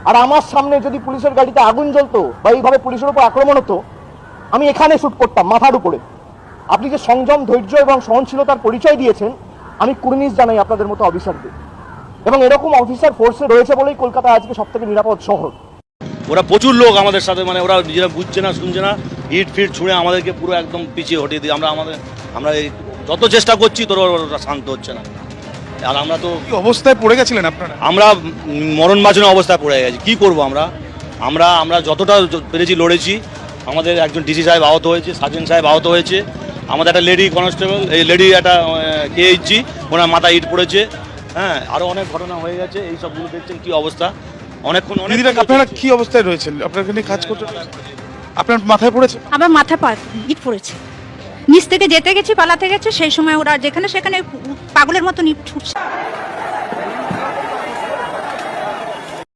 আর আমার সামনে যদি পুলিশের গাড়িতে আগুন জ্বলতো বা এইভাবে পুলিশের উপর আক্রমণ হতো, আমি এখানে শুট করতাম মাথার উপরে। আপনি যে সংযম, ধৈর্য এবং সহনশীলতার পরিচয় দিয়েছেন, আমি কুর্নিশ জানাই আপনাদের মতো অফিসারদের। এবং এরকম অফিসার ফোর্সে রয়েছে বলেই কলকাতা আজকে সব থেকে নিরাপদ শহর। ওরা প্রচুর লোক আমাদের সাথে, মানে ওরা নিজেরা বুঝছে না, শুনছে না, ইট ফিট ছুঁড়ে আমাদেরকে পুরো একদম পিছিয়ে হটিয়ে দিই। আমরা এই যত চেষ্টা করছি তোর ওরা শান্ত হচ্ছে না। আর আমরা তো কি অবস্থায় পড়ে গেছিলেন আপনারা? আমরা মরণ বাঁচানো অবস্থায় পড়ে গেছি। কি করব আমরা যতটা পেরেছি লড়েছি। আমাদের একজন ডিসি সাহেব আহত হয়েছে, সার্জেন্ট সাহেব আহত হয়েছে, আমাদের একটা লেডি কনস্টেবল, এই লেডি একটা কেএইচজি, ওনার মাথায় ইট পড়েছে। হ্যাঁ, আরও অনেক ঘটনা হয়ে গেছে। এই সবগুলো দেখছেন কি অবস্থা। অনেকক্ষণ দিদিরা আপনারা কি অবস্থায় রয়েছেন? আপনারা এখানে কাজ করতে, আপনার মাথায় পড়েছে? আবার মাথা ইট পড়েছে। নিচ থেকে যেতে গেছি, পালাতে গেছে, সেই সময় ওরা যেখানে সেখানে পাগলের মতো ইট ছুটছে।